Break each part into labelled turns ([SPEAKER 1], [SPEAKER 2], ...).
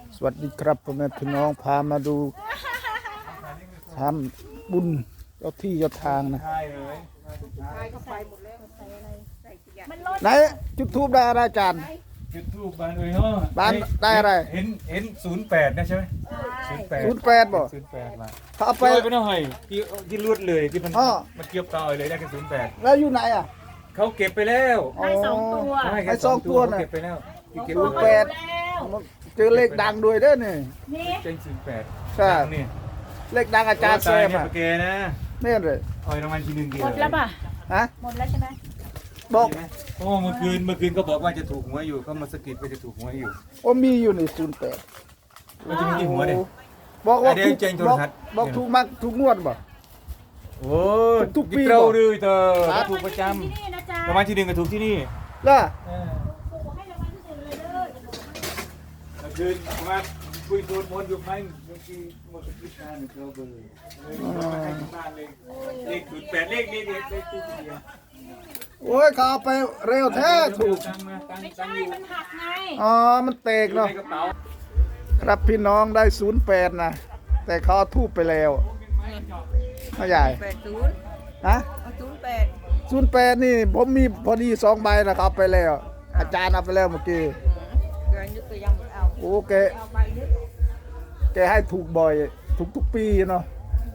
[SPEAKER 1] สวัสดีครับพ่อแม่พี่น้องพามาดูทำบุญเจ้าที่เจ้าทางนะไหนจุดทูบได้อะไรอาจารย์
[SPEAKER 2] จุดทูบบานเลยเนาะ
[SPEAKER 1] บ้านได้อะไร
[SPEAKER 2] เห็น08นะใช่ไหม
[SPEAKER 1] 08บ่
[SPEAKER 2] 08มา
[SPEAKER 1] เขาเอา
[SPEAKER 2] ไป
[SPEAKER 1] ไป
[SPEAKER 2] ไปหน่อยที่รุดเลยที่มัน
[SPEAKER 1] อ้อ
[SPEAKER 2] มันเกี่ยวต่อเลยได้แค่08
[SPEAKER 1] แล้วอยู่ไหนอ่ะ
[SPEAKER 2] เขาเก็บไปแล้ว
[SPEAKER 3] ได้สองตัว
[SPEAKER 2] ให้
[SPEAKER 1] ให้
[SPEAKER 2] แค่
[SPEAKER 1] สองตัว
[SPEAKER 2] เขา
[SPEAKER 1] น่ะ
[SPEAKER 2] เก็บไปแล้วที่เก็บ
[SPEAKER 1] 08
[SPEAKER 2] ไป
[SPEAKER 1] เจอเลขดังด้วยเด้อนี่
[SPEAKER 3] นี่
[SPEAKER 2] เจง08
[SPEAKER 1] ใช่
[SPEAKER 2] นี่
[SPEAKER 1] เลขดังอาจารย์แซม
[SPEAKER 2] เนี่ย
[SPEAKER 1] อ่ะ
[SPEAKER 2] โอเคนะ
[SPEAKER 1] นี่เลย
[SPEAKER 2] เอารางวัลที่1กี่
[SPEAKER 3] หมดแล้วป่ะ
[SPEAKER 1] ฮะ
[SPEAKER 3] หมดแล้วใช่ไหม
[SPEAKER 1] บอก
[SPEAKER 2] โอ้เมื่อคืนก็บอกว่าจะถูกหวยอยู่เขามาสะกิดว่าจะถูกหวยอยู่
[SPEAKER 1] โอ้มีอยู่นี่08
[SPEAKER 2] มันจะมีที่หัวเด้
[SPEAKER 1] บอกว่า
[SPEAKER 2] เดี๋ยว
[SPEAKER 1] ถูก
[SPEAKER 2] เจงโทร
[SPEAKER 1] บอก
[SPEAKER 2] ทัศน์
[SPEAKER 1] บอกถูกมากถูกงวดบ่
[SPEAKER 2] โอ้
[SPEAKER 1] ทุกปี
[SPEAKER 2] เรา
[SPEAKER 1] บอก
[SPEAKER 2] เลยเธอ
[SPEAKER 1] ครับ
[SPEAKER 2] ถูกประจ
[SPEAKER 3] ที่นี่นะจ๊ะ
[SPEAKER 2] ำรางวัลที่1ก็ถูกที่นี่
[SPEAKER 1] ล่ะ
[SPEAKER 3] ให้รางวัลที่หนึ่งเลยเด้อ
[SPEAKER 2] เมื่อคืนมาคุยโดนมนต์อยู่ไหมเมื่อกี้หมดพิธาหนึ่งเราเบอร์มาให้ที่บ้านเลยเลข08เลขนี้เลขตู้เดียว
[SPEAKER 1] โอ้ยเขาเอาไปเร็วแท้ถูก
[SPEAKER 2] ตั้งมาตั้ง
[SPEAKER 3] ไม่
[SPEAKER 2] ตั้
[SPEAKER 3] ใช่
[SPEAKER 2] งอยู่
[SPEAKER 3] มันหักไง
[SPEAKER 1] อ๋อมันเตก
[SPEAKER 2] อยู่
[SPEAKER 1] เนาะ
[SPEAKER 2] ในกระเป๋า
[SPEAKER 1] ครับพี่น้องได้08นะแต่เขาเอาทูบไปแล้วไม่ใหญ่
[SPEAKER 4] 80
[SPEAKER 1] ฮะ
[SPEAKER 4] เอา08
[SPEAKER 1] 08นี่ผมมีพอดี2ใบนะครับไปแล้ว อาจารย์เอาไปแล้วเมื่อกี้
[SPEAKER 4] เกินนึกก็ยังไม่เอา
[SPEAKER 1] โอ้แก
[SPEAKER 4] เอาใบนึก
[SPEAKER 1] แกให้ถูกบ่อยทุกปีเนาะ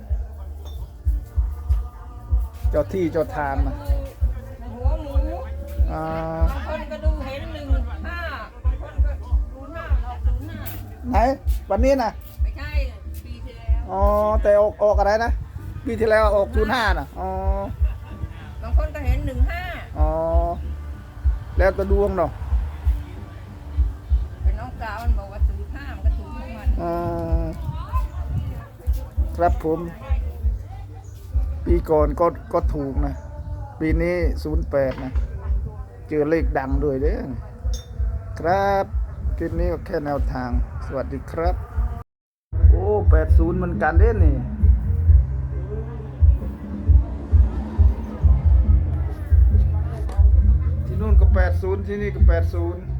[SPEAKER 1] เจ้าที่เจ้าทางนะ
[SPEAKER 4] หัวหมู
[SPEAKER 1] อ่า
[SPEAKER 4] บางคนก็ดูเห็น15บางคนก็ดู5ออก05
[SPEAKER 1] ไหนวันนี้นะ
[SPEAKER 4] ไม่ใช่ปีที่แล้ว
[SPEAKER 1] อ๋อแต่ออกอะไรนะปีที่แล้วออก05นะอ๋อบ
[SPEAKER 4] างคนก็เห็น15
[SPEAKER 1] อ๋อแล้วก็ดวงเนาะ
[SPEAKER 4] เป็นน้องสาวมันบอกว่า05มันก็ถูกทุกวัน
[SPEAKER 1] อ๋อครับผม ปีก่อนก็ถูกนะ ปีนี้08นะเจอเลขดังด้วยเด้อครับคลิปนี้ก็แค่แนวทาง สวัสดีครับ โอ้80เหมือนกันเด้นี่ที่นู่นก็80ที่นี่ก็80